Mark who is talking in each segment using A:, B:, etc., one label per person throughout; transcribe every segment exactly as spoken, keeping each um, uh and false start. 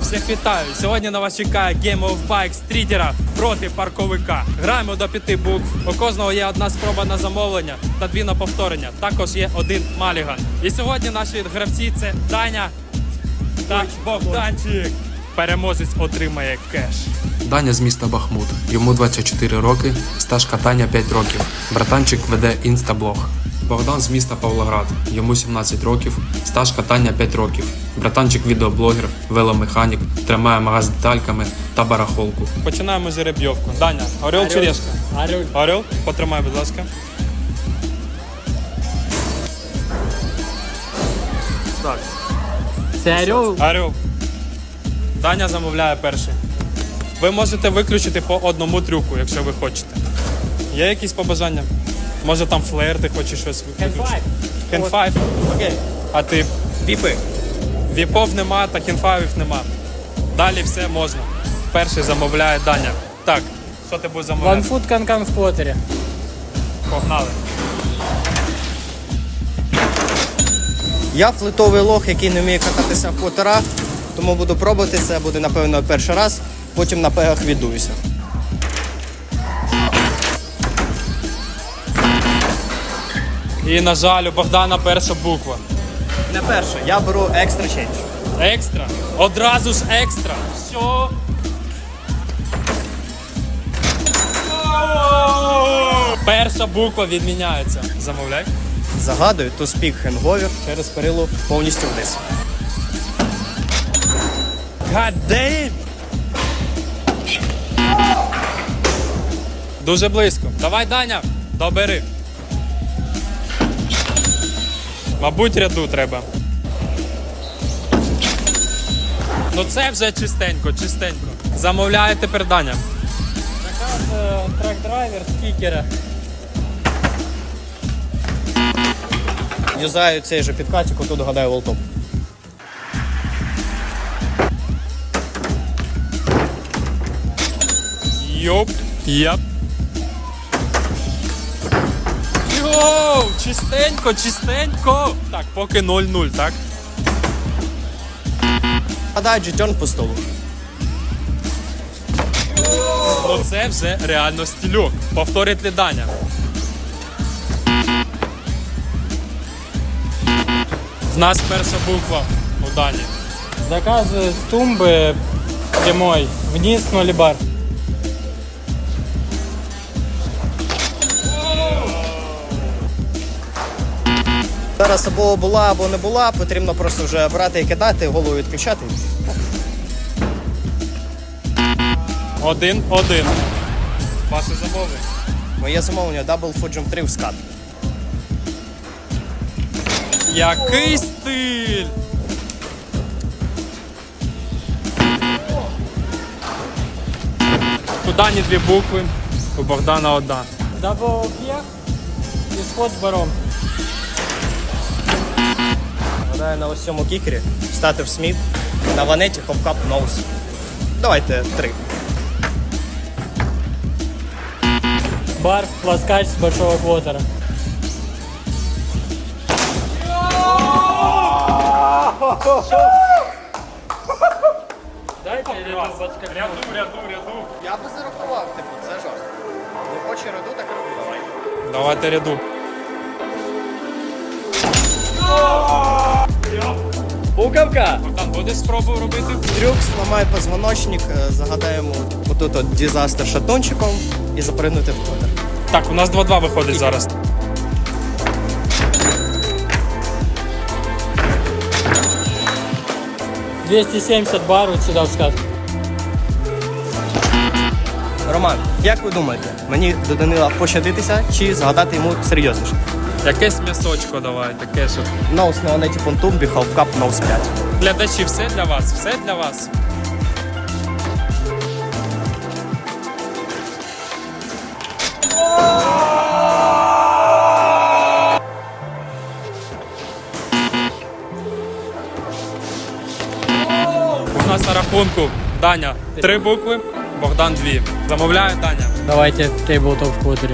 A: Всіх вітаю! Сьогодні на вас чекає Game of Bike стрітера проти парковика. Граємо до п'яти букв. У кожного є одна спроба на замовлення та дві на повторення. Також є один маліган. І сьогодні наші гравці це Даня та Богданчик. Переможець отримає кеш.
B: Даня з міста Бахмут. Йому двадцять чотири роки, стаж катання п'ять років. Братанчик веде інстаблог. Богдан з міста Павлоград. Йому сімнадцять років, стаж катання п'ять років. Братанчик відеоблогер, веломеханік, тримає магаз з детальками та барахолку.
A: Починаємо жеребйовку. Даня, орел чи решка?
C: Орел.
A: Орел? Потримай, будь ласка. Так.
C: Це орел?
A: Орел. Даня замовляє перший. Ви можете виключити по одному трюку, якщо ви хочете. Є якісь побажання? Може там флеєр, ти хочеш щось виключити? Хенфайв. Окей. А ти? Віпи. Віпов нема, та хенфайвів нема. Далі все можна. Перший замовляє Даня. Так, що ти будеш замовляти?
C: Ванфут канкан в квотері.
A: Погнали.
D: Я флитовий лох, який не вміє кататися в квотерах, тому буду пробувати це, буде напевно перший раз, потім на пегах віддуюся.
A: І, на жаль, у Богдана перша буква.
D: Не перше, я беру екстра чендж.
A: Екстра. Одразу ж екстра. Що? Перша буква відміняється. Замовляй.
D: Загадую, ту спік хенговір через перилу повністю вниз.
A: God damn! Дуже близько. Давай, Даня, добери. Мабуть, ряду треба. Ну це вже чистенько, чистенько. Замовляє тепер Даня.
C: Заказ трак-драйвер з кікера.
D: Юзаю цей же підкатик, отут гадаю волтоп.
A: Йоп, яп. Йоу, чистенько, чистенько. Так, поки нуль нуль, так?
D: Гадаю джетьон по столу.
A: Ну це вже реально стільок. Повторить ли Даня? В нас перша буква у Дані.
C: Заказ з тумби прямой. Вниз ноль бар.
D: Зараз або була, або не була, потрібно просто вже брати і кидати, голову відключати.
A: Один, один. Ваше замовлення.
D: Моє замовлення Double Full Jump три в скат.
A: Який стиль! У Дані дві букви, у Богдана одна.
C: Дабл п'єх і сход баром.
D: Гадаю на ось цьому кікері стати в сміт, на ванеті хопкап ноус. Давайте три.
C: Бар в пласкач з большого квотера. Дайте ряду подскакну.
A: Ряду, ряду, ряду.
D: Я би зарахував, типу, це жарт. Не хоче раду, так роби, давай.
A: Давайте ряду.
D: Буковка!
A: Богдан, будеш спробу робити?
D: Трюк, зламай позвоночник, е, загадаємо отут от дізастер шатончиком і запригнути в квотер.
A: Так, у нас два-два виходить зараз.
C: двісті сімдесят бар от сюди в скат.
D: Роман, як ви думаєте, мені до Данила пощадитися чи згадати йому серйозніше?
A: Якесь м'ясочко давай, таке, щоб...
D: Ноус на ванеті понтумбі, хавкап, ноус п'ять.
A: Глядачі, все для вас, все для вас. У нас на рахунку Даня три букви, Богдан дві. Замовляє Даня.
C: Давайте тейблтоп в квотері.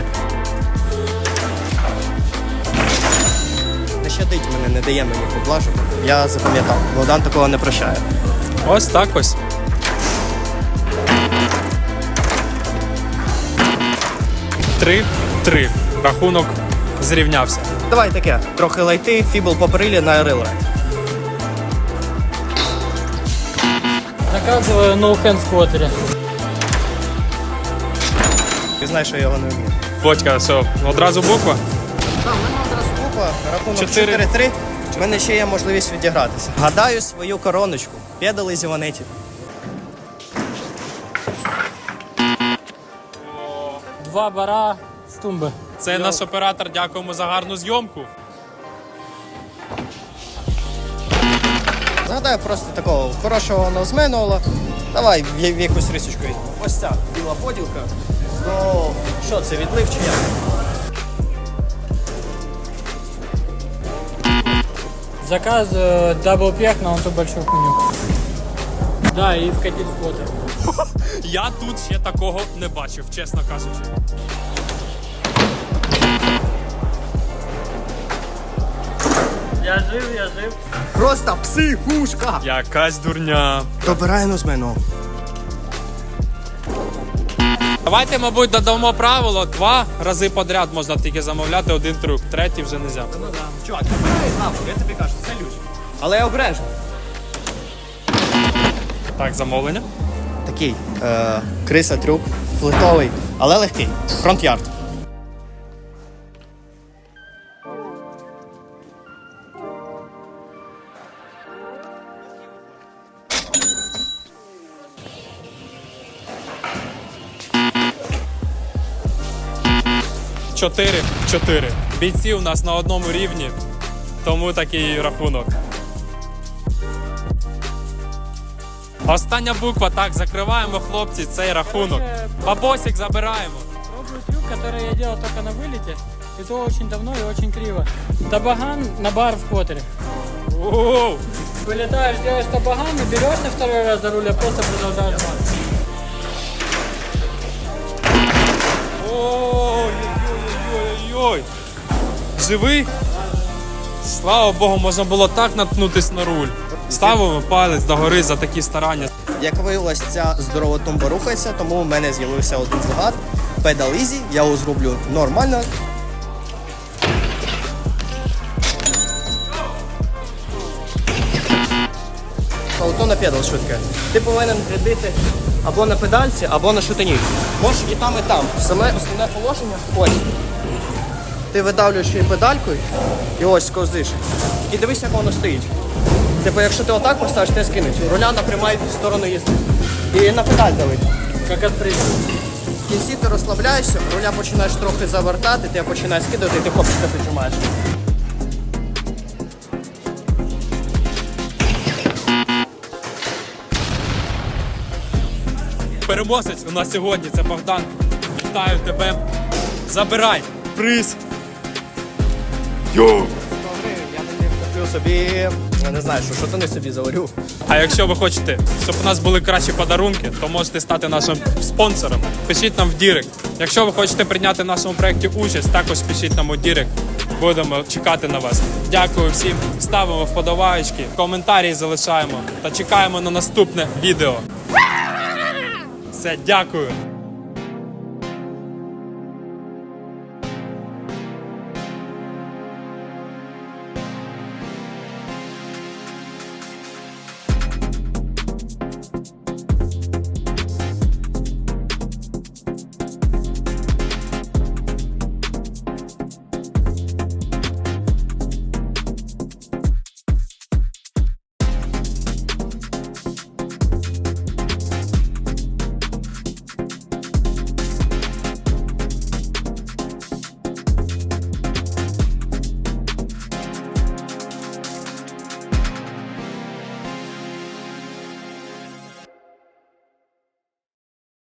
D: Не щадить мене, не дає мені поблажок. Я запам'ятав, Богдан такого не прощає.
A: Ось так ось. Три-три. Рахунок зрівнявся.
D: Давай таке, трохи лайти, фібл по перилі на рилрайд.
C: Заказываю ноу-хенд сквотере.
D: Ти знаєш, що я його не вмію.
A: Бодька, все, одразу буква.
D: Так, в мене одразу купа, рахунок
A: Чотири.
D: чотири-три. У мене ще є можливість відігратися. Гадаю свою короночку. Педали зі ванеті.
C: Два бара с тумбы.
A: Це наш оператор, дякуємо за гарну зйомку.
D: Згадаю просто такого хорошого нозменуала. Давай в, в якусь рисочку візьмемо. Ось ця біла поділка. Ну, що це, відлив чи як?
C: Заказываю дабл-пех на вон ту большую хуйню. Да, и вкатить сквотер.
A: Я тут ще такого не бачив, чесно кажучи.
C: Я жив, я жив.
D: Просто психушка!
A: Якась дурня.
D: Добираю нозменуал.
A: Давайте, мабуть, додамо правило. Два рази подряд можна тільки замовляти один трюк. Третій вже не можна.
D: Чувак, добирай нахуй, я тобі кажу, це люч. Але я обережно.
A: Так, замовлення.
D: Такий е, криса трюк, флетовий, але легкий. Фронт-ярд.
A: Чотири-чотири. Бійці у нас на одному рівні, тому такий рахунок. Остання буква, так, закриваємо, хлопці, цей рахунок. Бабосик забираємо.
C: Пробую трюк, который я делал только на вылете. И то очень давно и очень криво. Табаган на бар в квотере.
A: Оу!
C: Вылетаешь, делаешь табаган, и берешь на второй раз за руль, а просто продолжаешь бар.
A: Ой-ой-ой-ой-ой. Живий? Слава Богу, можна було так наткнутись на руль. Ставимо палець догори за такі старання.
D: Як виявилось, ця здорова тумба рухається, тому в мене з'явився один загад. Педал Easy, я його зроблю нормально. Ауто на педал швидке. Ти повинен прибити або на педальці, або на шутині. Можеш і там, і там. Саме основне положення ось. Ти видавлюєш її педалькою і ось ковзиш. І дивись, як воно стоїть. Типу, якщо ти отак поставиш, ти скинеш. Руля напрямає в сторону їзди. І на педаль давить.
C: Как отпрыгнуть.
D: В кінці ти розслабляєшся, руля починаєш трохи завертати, ти починаєш скидати, і ти копчика піджимаєш.
A: Переможець у нас сьогодні, це Богдан. Вітаю тебе. Забирай приз. Йоу!
D: Я тоді куплю собі, я не знаю, що шотани собі заварю.
A: А якщо ви хочете, щоб у нас були кращі подарунки, то можете стати нашим спонсором. Пишіть нам в Дірект. Якщо ви хочете прийняти в нашому проєкті участь, також пишіть нам у Дірект. Будемо чекати на вас. Дякую всім. Ставимо вподобаєчки, коментарі залишаємо та чекаємо на наступне відео. Все, дякую.